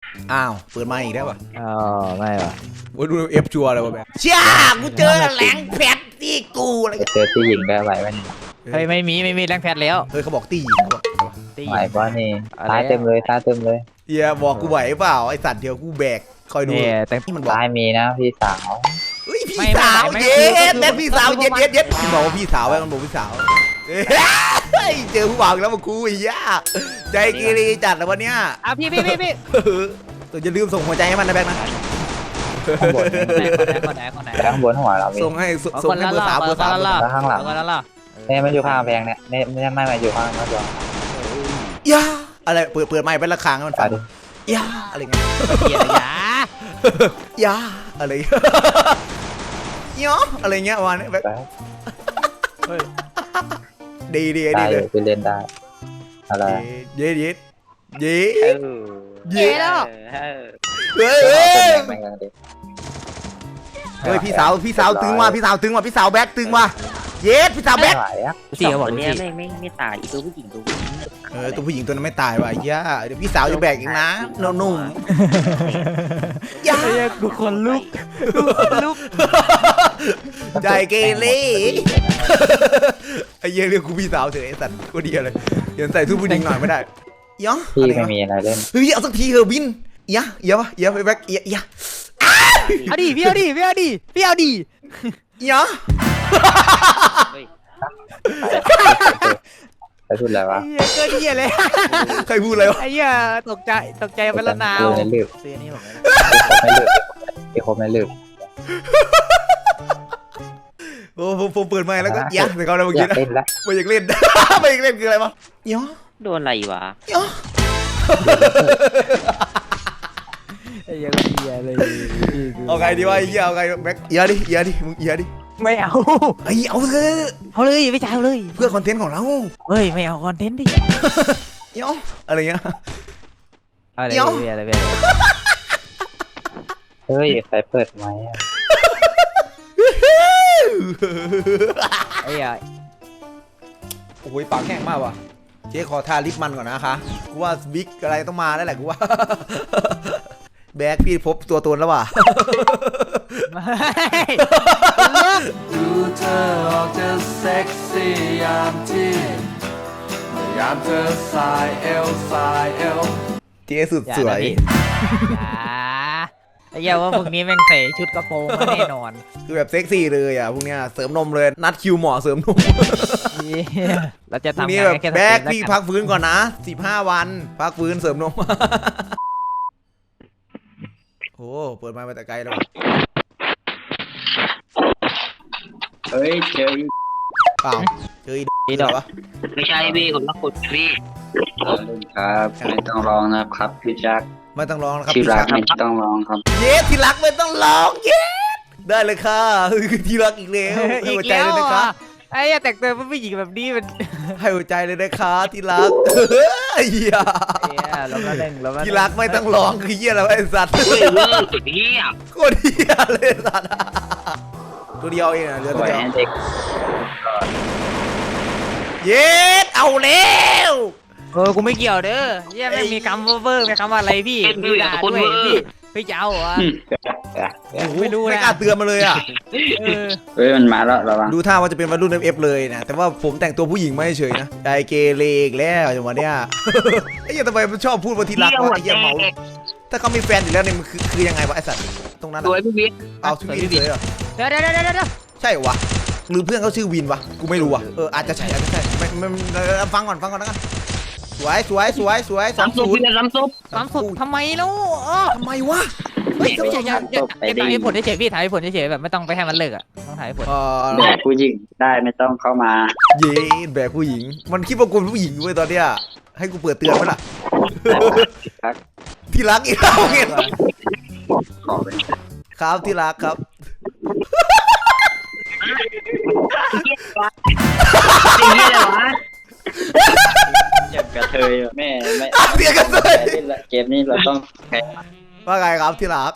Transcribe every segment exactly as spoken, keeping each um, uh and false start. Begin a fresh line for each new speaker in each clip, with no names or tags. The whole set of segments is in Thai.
อ้าวเปิดมาอีกแล้วป่ะ
อ๋อไม่ว่ะ
ว่าดูเอฟชัวร์เลยว่ะแบบเชี่ยกูเจอแหลงแพทที่กูอะไร
เจอที่หญิงได้ไหวมัน
เฮ้ยไม่มีไม่มีแรงแพทแล้ว
เฮ้ยเขาบอกตีเขาบอก
ไหวป่ะนี่ตายเต็มเลยตายเต็มเลย
เฮียบอกกูไหวเปล่าไอสัตว์เดียวกูแบกคอยดู
แต่
ที่มันบอก
ตายมีนะพี่สาว
เฮ้ยพี่สาวเย็ดแม่พี่สาวเย็ดเย็ดเย็ดมันบอกว่าพี่สาวไว้มันบอกพี่สาวเฮ้ยเจอผู้บ่าวแล้วมาคุยย่าใจกีรีจัดแล้ววันเนี้ย
อ่ะพี่พี่พี่พี่
ตัวจะลืมส่งหัวใจให้มันนะแบงค์นะ
ข้างบน
คนไหนคนไหน
ข้างบนหัวเรา
ส่งให้ส่งให้เบอร์สามเบอร์สาม
แล้วข้างหลังเนี่ยมันอยู่ข้างแพงเนี่ยเนี่ยไม่ไม่มาอยู่ข้างนั้นจ้ะ
ย่าอะไรเปิดเปิดไม้เป็นระฆังมันฟังย่าอะไรเงี้ย
ย่า
ย่าอะไรเนาะอะไรเงี้ยวันนี้แบบดีดีดีเลย
ไปเล่นได้อะไร
เย็ดเย็ดเย็ด
เย็ดแล้ว
เฮ้ยเฮ้ยพี่สาวพี่สาวตึงว่ะพี่สาวตึงว่ะพี่สาวแบ็คตึงว่ะเย็ดพี่สาวแบ็ค
เสียบอก
เนี่ยไม่ไม่ไม่ตายอีตัวผู้หญิงตัวนี้
เออตัวผู้หญิงตัวนั้นไม่ตายว่ะย่าเดี๋ยวพี่สาวจะแบกอีกนะนุ่มๆย่า
กูคนลุกกูคนลุก
ใจเกเรไอ้เยี่ยเรียกกูพี่สาวเถอะไอ้สัตว์กูดีเลยเดี๋ยวใส่ทุกผู้หญิงหน่อยไม่ได้ย่า
พี่ไม่มีอะไรเล่น
เฮ้ยเอาสักทีเถอะบินย่าย่าวะย่าไปแบ็คย่าย่า
เอาดิพี่เอาดิพี่เอาดิพี่เอาดิ
ย่า
ใครพูดอะไรวะ
เกินเหี้ยเลย
ใครพูดอะไรวะ
ไอ้เหี้ยตกใจตกใจไปละนาว
ไม่ลืม
เสียนี่ผม
ไม่ลืมพี่คมไม่ลืม
โอ้ผมผมเปิดไมค์แล้วก็ย่าแต่เขาได้เมื่อกี้นะไม่อยากเล่นไม่อยากเล่นคืออะไรวะย่า
โดนอะไรวะ
ย่า
ไอ้เหี้ยเหี้ยเลย
เอาไงดีวะไอ้เหี้ยเอาไงแบ็คย่าดิย่าดิมึงย่าดิ
ไม่เอา
ไอ้เอาเถอะ
เอาเลยไม่จ่ายเลย
เพื่อคอนเทนต์ของเรา
เฮ้ยไม่เอาคอนเทนต์ดิ
เดี๋ยวอะไรเงี้ย
เดี๋ยวอะไรแบบ
เฮ้ยใครเปิดไหม
ไอ้ใหญ่
โอ้ยปากแห้งมากว่ะเจ๊ขอทาลิปมันก่อนนะคะกูว่าบิ๊กอะไรต้องมาแล้วแหละกูว่าแบกพี่พบตัวตนแล้วว่ะ
ดูเธอออกจะเซ็กซี่ยามที่ยามเธอสายเอวสายเอว
เจ๊สุดสวย
ไอ้เหี้ยว่าพวกนี้แม่งใส่ชุดกระโปรงมาแน่นอน
คือแบบเซ็กซี่เลยอ่ะพวกเนี้ยเสริมนมเลยนัดคิวหมอเสริมนม
เราจะทำ
นี้แบบแบกพี่พักฟื้นก่อนนะสิบห้าวันพักฟื้นเสริมนมโอ้เปิดมาแต่ไกลแล้ว
เฮ้ยเจอ
เปล่าเจออีดอกวะ
ไม่ใช่พี่คนละคนพี่
ครับไม่ต้องร้องนะครับพี่แจ็ค
ไม่ต้องร้องนะครับ
ที่รักไม่ต้องร้องครับ
เย้ที่รักไม่ต้องร้องเย้ได้เลยค่ะที่รักอีกแล้วให้หัวใจเลยนะคะ
ไอ้แต่งตัวเป็นผู้หญิงแบบนี้มัน
ให้หัวใจเลยนะคะที่รักเฮีย
เราก็เล่นเรา
ที่รักไม่ต้องร้องคือเฮียอะไรไอ้สัตว์
เฮ้ยเฮ้ยตัวนี้อ่ะ
โคตรเฮียเลยสัตว์ตัวเดียวเองนะเรือตัวเดียวเย้เอาแล้ว
เออกูไม่เกี่ยวเด้อเฮียไม่มีคำเวอร์ไม่คำว่าอะไรพี่พี่ด่าด้วยพี่พี่เจ้าอ่ะ
ไม่รู้ไม่กล้าเตือนมาเลยอ่ะ
เฮ้ยมันมาแล้วระวัง
ดูท่าว่าจะเป็นวัยรุ่น เอฟ เอฟ เลยนะแต่ว่าผมแต่งตัวผู้หญิงไม่เฉยนะใจเกเรอีกแล้วจังหวะเนี้ยไอ้เหี้ยทำไมมันชอบพูดว่าที่รักว่าไอ้เหี้ยเมาถ้าเขามีแฟนอยู่แล้วเนี่ยมันคือคือยังไงวะไอ้สัตว์ตรงนั้น
ตัวพี่วิน
เอาชื่อวินเลยเหรอ
เดี๋ยวเดี๋ยวเดี๋ยวเดี๋ยว
ใช่วะหรือเพื่อนเขาชื่อวินวะกูไม่รู้อ่ะเอออาจจะใช่อาจจะใช่ไม่ไม่ฟังก่อนฟังก่อนนะกันสวยสวยสวยสวยสามศูนย์
สามซุป
สามซุปทำไมล่ะ
ทำไมวะ
ไม่ใช่ยังยังถ่ายผลเฉยพี่ถ่ายผลเฉยแบบไม่ต้องไปให้มันเลิกอ่ะต้องถ่ายผล
แบกผู้หญิงได้ไม่ต้องเข้ามา
เย้แบกผู้หญิงมันคิดว่ากูผู้หญิงเว้ยตอนเนี้ยให้กูเปิดเตือนไหมล่ะที่รักอีกแล้วเงี้ยครับที่รักครับ
เจ็บกระเทยแม่ไม่
เสียกระเทย
เกมนี้เราต้องแพ้
ว่าไงครับที่รัก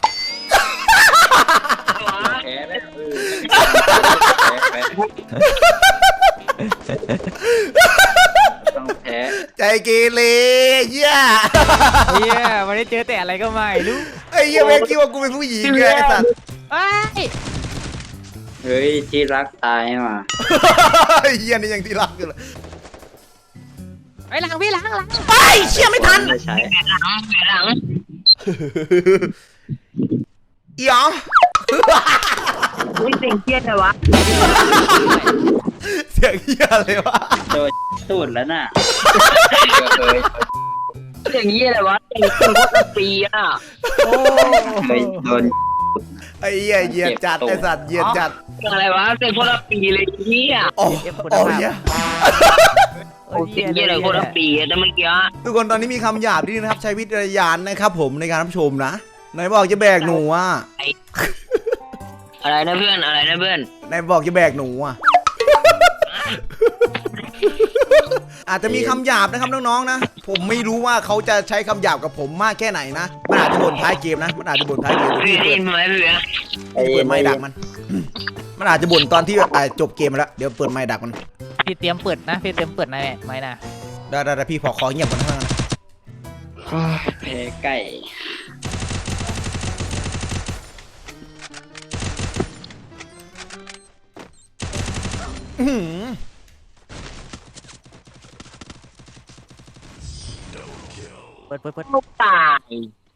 แพ้ได้ต้องแพ้
ใจเกเรเหี้ย
เฮียวันนี้เจอแต่อะไรก็ไม่รู้
ไอ้เหี้ยแม่งคิดว่ากูเป็นผู้หญิงไงไอ้สัตว์
ไอ้ย
เฮ้ยที่รักตายมา
ไอ้เหี้ยนี่ยังที่รักอยู่เลย
ไอ้หลังพี่หลังหลัง
ไปเชี่ยไม่ทัน
ไม่ใช้
หลังหลัง
อีอ๋อ
อุ้ยเสียงเครียดเลยวะ
เสียงเหี้ยอะไรวะ
โดนสูดแล้วน่ะเคย
เสียงเหี้ยเลยวะเสียงคนโคตรปีอ่ะ
โอ้
เคยโดน
ไอ้เหี้ยเหยียดจัดไอ้สัตว์เหยียดจัด
เสียงอะไรวะเสียงโคตรปีเลยเหี้ย
โอ้โอ้เหี้ย
เสียงเหี้ยเลยโคตรปีแต่เมื่อกี้
ทุกคนตอนนี้มีคำหยาบที่นะครับใช้วิจารณญาณนะครับผมในการรับชมนะไหนบอกจะแบกหนูอ่ะ
อะไรนะเพื่อนอะไรนะเพื่อน
ไหนบอกจะแบกหนูอ่ะ อาจจะมีคำหยาบนะครับน้องๆนะผมไม่รู้ว่าเขาจะใช้คำหยาบกับผมมากแค่ไหนนะมันอาจจะบ่นท้ายเกมนะมันอาจจะบ่นท้ายเกม
เพื่
ที่
อนได้
เปิ
ยิ
ด
นไหมเพื่อน
เปิดไม้ดักมัน มันอาจจะบ่นตอนที่อ่ะจบเกมแล้วเดี๋ยวเปิดไม้ดักมัน
พี่เตรียมเปิดนะพี่เตรียมเปิดนะแม่ไม่นะ
ได้ได้ได้พี่พอขอเงียบก่อนนะ
แพ้ไก่
อื้อหือ
เปิดเปิดเปิด
ลูกตาย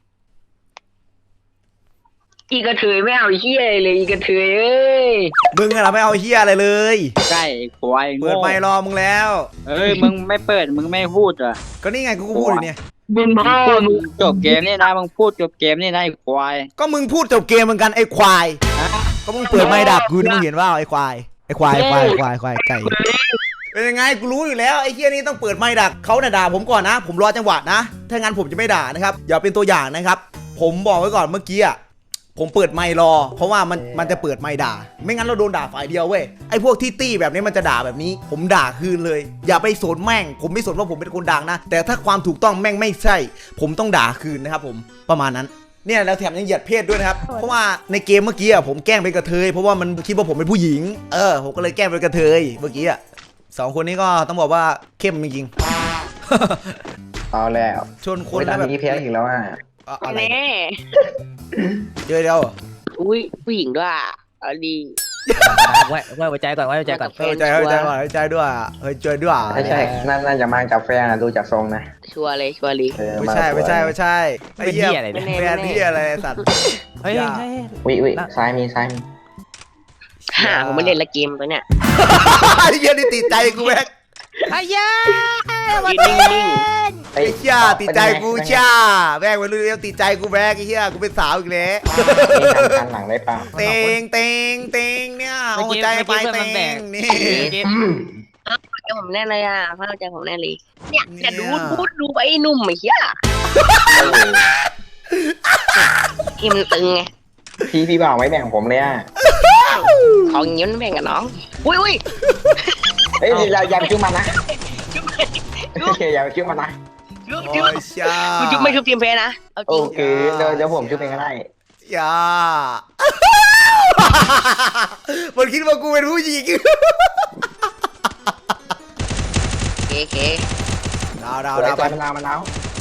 อีกระเทยไม่เอาเหี้ยเลยอีกระเทยเอ้ย
มึงอะเราไม่เอาเฮียอะไรเลย
ไก่ควาย
เปิดไมค์รอมึงแล้ว
เอ้ยมึงไม่เปิดมึงไม่พูดอ่ะ
ก็นี่ไงกูก็พูดอยู่เนี่ย
บุญพ่อ
พูด
มึง
จบเกมนี่นะมึงพูดจบเกมนี่นะไอ้ควาย
ก็มึงพูดจบเกมเหมือนกันไอ้ควาย ก็มึงเปิดไมค์ดักกูนี่มึงเห็นว่าไอ้ควายไอ้ควายควายควายควายไก่เป็นยังไงกูรู้อยู่แล้วไอ้เฮียนี่ต้องเปิดไมค์ดักเขาน่ะด่าผมก่อนนะ ผมรอจังหวะนะถ้างั้นผมจะไม่ด่านะครับอย่าเป็นตัวอย่างนะครับ ผมบอกไว้ก่อนเมื่อกี้อ่ะผมเปิดไมค์รอ เพราะว่ามันมันจะเปิดไมค์ด่า ไม่งั้นเราโดนด่าฝ่ายเดียวเว้ยไอ้พวกที่ตี้แบบนี้มันจะด่าแบบนี้ ผมด่าคืนเลย อย่าไปสนแม่ง ผมไม่สนว่าผมเป็นคนดังนะ แต่ถ้าความถูกต้องแม่งไม่ใช่ ผมต้องด่าคืนนะครับผมประมาณนั้นเนี่ยแล้วแถมยังเหยียดเพศด้วยนะครับเพราะว่าในเกมเมื่อกี้อ่ะผมแกล้งเป็นกระเทยเพราะว่ามันคิดว่าผมเป็นผู้หญิงเออผมก็เลยแกล้งเป็นกระเทยเมื่อกี้อ่ะสองคนนี้ก็ต้องบอกว่าเข้มจริง
เอาแล้ว
ๆชนค
คน น
แล้วแบบ
นี้แพ้อีกแล้วอ่ะ
อะอะไร
แน่
เดี๋ยวเดี๋ยว
อุ้ยผู้หญิงด้วยอ่ะเอาดี
ไว้ไว้ไว้ใจก่อนไว้ใจก่อน
เฮ้ยใจเฮ้ยใจก่อนเฮ้ยใจด้วยเฮ้ยใจด้วย
ไม่ใช่น่าน่าจะมากับแฟนนะดูจากทรงนะ
ชัวร์เลยชัวร์เลย
เออ
ไม่ใช่ไม่ใช่ไม่ใช่ไอ้
เป็น
เหี้ย
เหี้ยอะไรเนี่ย
แบรนด์เหี้ยอะไรสัตว์
เฮ้ย
อย่า
เฮ้ย
วิวิซ้ายมีซ้ายมี
หาผมไม่เล่นละเกมตัวเนี้ย
ไอ้เหี้ยนี่ติดใจกูแม็ก
ไอ้ยา
ยืนนิ่ง
ไอ้เหี้ยติดใจกูช่าแม่งวันนี้ติดใจกูแม็กไอ้เหี้ยกูเป็นสาวอีกแล้ว
มีทำการหลังได้เปล่า
เตงเตงเตงเนี่ยเอาหัวใจไปเตงนี่
ๆใจผมแน่เลยอ่ะเข้าใจผมแน่เลยเนี่ยเนี่ยดูพูดดูไอ้หนุ่มไอ้เหี้ยที่มันตึงไง
พี่พี่บ่าวไม่แบ่งผมเลยอ่ะ
ของเงี้ยมันแบ่งกับน้องอุ้ยอุ้ย
เฮ้ยอย่าอย่าไปคิ้วมันนะอย่าไปคิ้วมันนะ
ชุบ
โอ้
ชุบ
ยช่า
คุณชุบไม่ชุบทีมเพนะเอาจ
โอ
ริง
เคเดี๋ยวเดี๋ยวผมคิ้วเองก็ได้
อย่ามันคิดว่ากูเป็นผู้หญิง
เคเค
ดาวดาว
เอา
ดาว
ไป
ไป
มะนาวมะนาว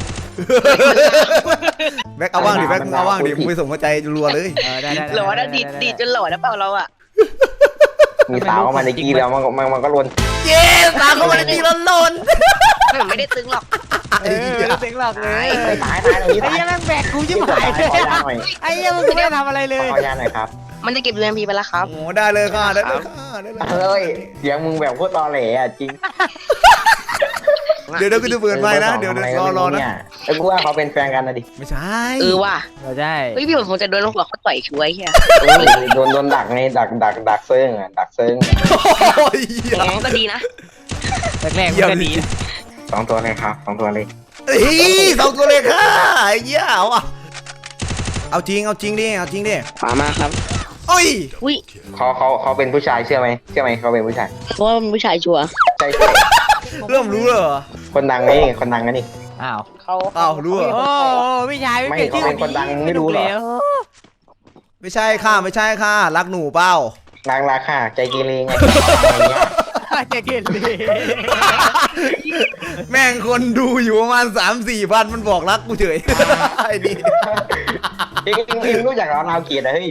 แม็กเอาว่างดิแม็กมึงเอาว่างดิมึงไปส่งหัวใจรัวเลย
เออได้ได้
หล่อนะดีดดีดจนหล่อนะเปล่าเราอ่ะ
มีสาวเข้ามาในกี้แล้วมันก็มันมันก็ลน
เย้ตามเข้ามาในตีร้อนลน
ผมไม่ได้ตึงหรอก
เออไม่ได้เสียงหลอกเลย
ไปตายตายตรงนี้
ไอ้
ตาย
เหี้ยแม่งแบกกูยิ่งหาย
ขอยาหน่อย
ไอ้เหี้ยมึงไม่ได้ทำอะไรเลย
ขอยาหน่อยครับ
มันจะเก็บเรียนพีไปแล้วครับ
โอ้ได้เลยค่ะได้เลยค่ะได้เลย
เฮ้ยเสียงมึงแบบโคตรตอแหลอ่ะจริง
เดี๋ยวเดี๋ยวกูจะเปิดไมค์นะเดี๋ยวเดี๋ยวรอรอนะ
ไอ้กูว่าเขาเป็นแฟนกันนะดิ
ไม่ใช่
เออว่ะ
เออใช่
เฮ้ยพี่ผมคงจะโดนหัวเขาต่อยช่วยเฮีย
โดนโดนดักไงดักดักดักเซิงอ่ะดักเซิง
โอ้ย
อย่างนั้นก็ดีนะ
แรกๆมันก็ดี
สองตัวเลยครับสองตัวเลย
เฮ้ยสองตัวเลยค่ะไอ้เหี้ยเอาอ่ะเอาจริงเอาจริงดิเอาจริงดิ
ขวามาครับ
โอ้ย
อุ้ย
เขาเขาเขาเป็นผู้ชายเชื่อไหมเชื่อไหมเขาเป็นผู้ชาย
เพราะว่าเป็นผู้ชายชัวร์
ใช่ใช่
เริ่มรู้แล้วเหรอ
คนดังนี่คนดังกันนี่
อ้าว
เขา
อ้าวรู้เหรอ
โอ้พี่ชายไม่เปลี่ยนชื่อ
ไม่เขาเป็นคนดังไม่รู้เหรอ
ไม่ใช่ค่ะไม่ใช่ค่ะรักหนูเปล่า
นางราคาใจกีรีไงอะไรเงี้ย
จะเกลียดเลย
แม่งคนดูอยู่ประมาณสามสี่พันมันบอกรักกูเฉย ไอ้นี่
เองเองเองรู้จักเรานาวเกียรติอะเฮ้ย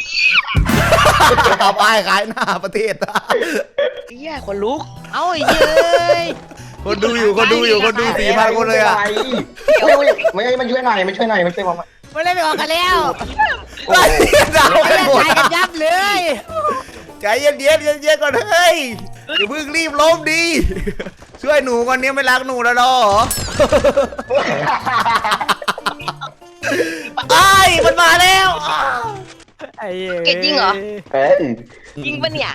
เอาป้ายขายหน้าประเทศ
เฮียคนลุก
เอ้าไอ้เย้ย
คนดูอยู่คนดูอยู่คนดูสี่พันคนเลยอ่ะ
เฮ้ยไม่ไม่มันช่วยหน่อยมันช่วยหน่อยมันช่วยผม
ไม่ได้ไปออกกันแล้ว
ไอ้เหี้ยดาว
ไม่
กัน
ได้
หมด
ถ่ายกันยับเลย
ใจเย็นเย็นๆเย็นๆก่อนเฮ้ยอย่าเพิ่งรีบล้มดี ช่วยหนูก่อนเนี้ยไม่รักหนูแล้วหรอ ไอ้ยมันมาแล้ว
ไอ้เย้ย
เกตจริงเหรอ
เอ้ย
จริงปะเนี่ย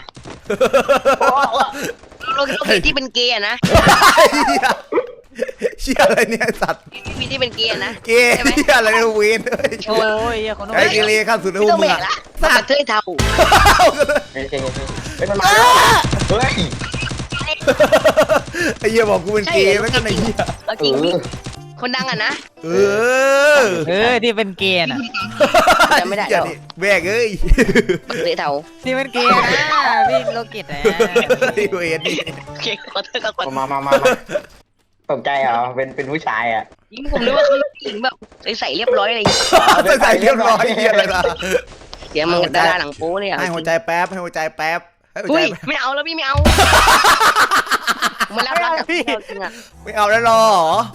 โลเคที่เป็นเกย์อะนะ
ไอ้เหี้ยเชี่ยอะไรเนี่ยสัตว์
พี่ที่เป็นเกย์อะนะ
เกย์เชี่ยอะไรเนี่ยเวนเฮ้ย
โอ้ยเหี้ยคนนู้น
ไอ้เกเรข้ามสุดใน
ไม่
หั
ต้
ว
อง
มึ
แบ
ง
ก
อะ
ละกระเทยเทา
เฮ้ยเฮ้ยเฮ้ยมันมาแล้วเฮ้ย
ไอ้เหี้ยบอกกูเป็นเกย์แล้วกันไอ้เหี้ย
เอา
เอ
จริงพี่
อ
คนดังอะนะ
เออ
เออที่เป็นเกย์น่ะ
จำไม่ได้
เหี้ย
หรอ
นี่แบกเอ้ย
กระเทยเทา
ที่เป็นเกย์นะพี่โลกิตนะ
ไอ้เวนนี่
โอเคขอโทษขอโทษ
มามามามาตกใจเหรอเป็นเป็นผู้ชายอ่ะ
ยิ่งผมนึกว่าเขาผู้หญิงแบบใส่เรียบร้อยอะไรอย่างเงี้ย
ใส่ใส่เรียบร้อยเหี้ยอะไรล่ะ
เดี๋ยวมันดาราหนังโป๊เลยอะ
ให้หัวใจแป๊บให้หัวใจแป๊บให้หัว
อุ้
ใจ
ย
แป๊บ
ไม่เอาแล้วพี่ไม่เอามารับรักจากพี่จริงอะ
ไม่เอาแล้วหรอ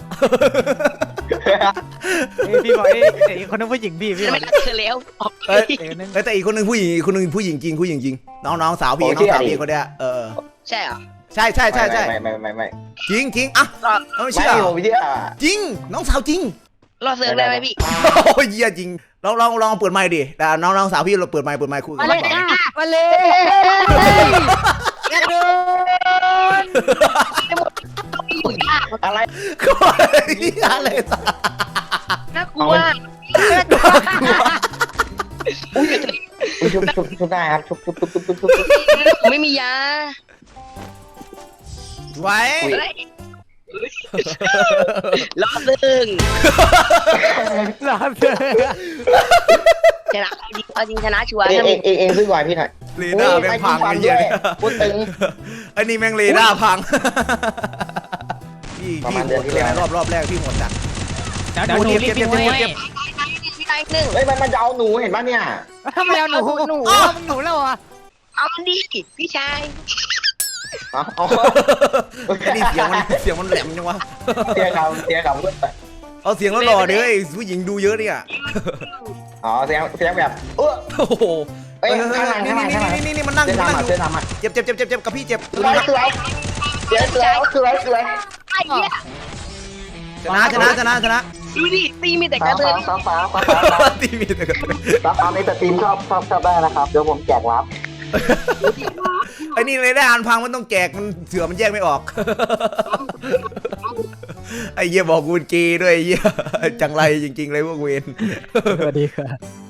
เฮ้ยพี่บอกไอ้ไอ้คนนั้นผู้หญิงพี่พี่บอ
ไม่
ก
รักเธอแล้วออก
เอ้ย
เอ้ยนั่น
เอ้ยแต่อีกคนหนึ่งผู้หญิงอีกคนหนึ่งผู้หญิงจริงผู้หญิงจริงน้องน้องสาวพี่น้องสาวพี่คนเนี้ยเออ
ใช่เหรอ
ใช่ใช่ใช่ใช่
ไม่ไม่ไม่ไม่
จริงจริงอ่ะ
รอ
เอาไม่
ไม่
เชื่อ
ผมเชื่อ
จริงน้องสาวจริง
รอเซิร์ฟได้ไหมพี่
โอ้ยเยี่ยจริงลองลองลองเปิดไมค์ดิแต่น้องน้องสาวพี่เราเปิดไมค์เปิดไมค์คุยกั
มาน เลยจ้ามาเลยกระโดด
อยู่ยาก
อะไร
ก็อะไรสัก
น่ากลัว
อุ้ยชุบชุบชุบได้ครับชุบชุบชุบชุบชุบชุบ
ผมไม่มียา
ไว้
เฮ้ยรอเซิร์ฟ
หลอดเลย
ชนะจริงเอาจริงชนะชัวร์
เอง
ถ้า
เอ
มี
งเองเองซื้อไวพี่หน่อย
เรดาร์แม่งพังไอ้เหี้ยเนี่ย
พูดตึง
ไอ้นี่แม่งเรดาร์พังพี่
ประ
พี่
มาณ
โห
เดือน
ด
ที่
เลย
แล้ว
รอบรอบแรกพี่โหดจัด
เดี๋ยวหนูรีบวิ่งไว้
พี่ได้หนึ่ง
เฮ้ยมันมันจะเอาหนูเห็นป่ะเนี่ย
ทำไมเอาหนูหนูเอาหนูแล้วอ่ะ
เอามันดีพี่ชาย
เอาเอา
ไอ้นี่เสียงมันเสียงมันแหลมจังวะ
เสียคำเสียคำพูดไป
เอาเสียงแล้วหล่อดิเฮ้ยผู้หญิงดูเยอะเนี่ย
อ๋อเสียงเสียงแบบเออ
โอ้โห
เอ้ยข้างหลัง
นี่
ข้างหลังข้างหลัง
นี่นี่นี่มันนั่งอ
เสื้อยู่
มันนั่งอ
ดำอ่ะเสื้อยู่ ดำอ่ะ
เจ็บเจ็บเจ็บเจ็บเจ็บกับพี่เจ็บ
สวยสวยเสียสวยสวยสวย
ไอ้เหี้ย
ชนะชนะชนะชนะ
ดูดิตีมีแต่ก
ฟ้า
ระเท
ฟ้าย ฟ้าฟ้าฟ้าฟ้า
ทีมีแต่กัน
ฟ้าฟ้าในสตรีมชอบชอบชอบได้นะครับเดี๋ยวผมแจกรับ
ไอ้นี่เลยได้อ่านพังมันต้องแจกมันเสือมันแยกไม่ออก ไอ้เหี้ยบอกกูเป็นเกย์ด้วยไอ้เหี้ยจังไรจริงๆเลยพวกเวน
สวัสดีค่ะ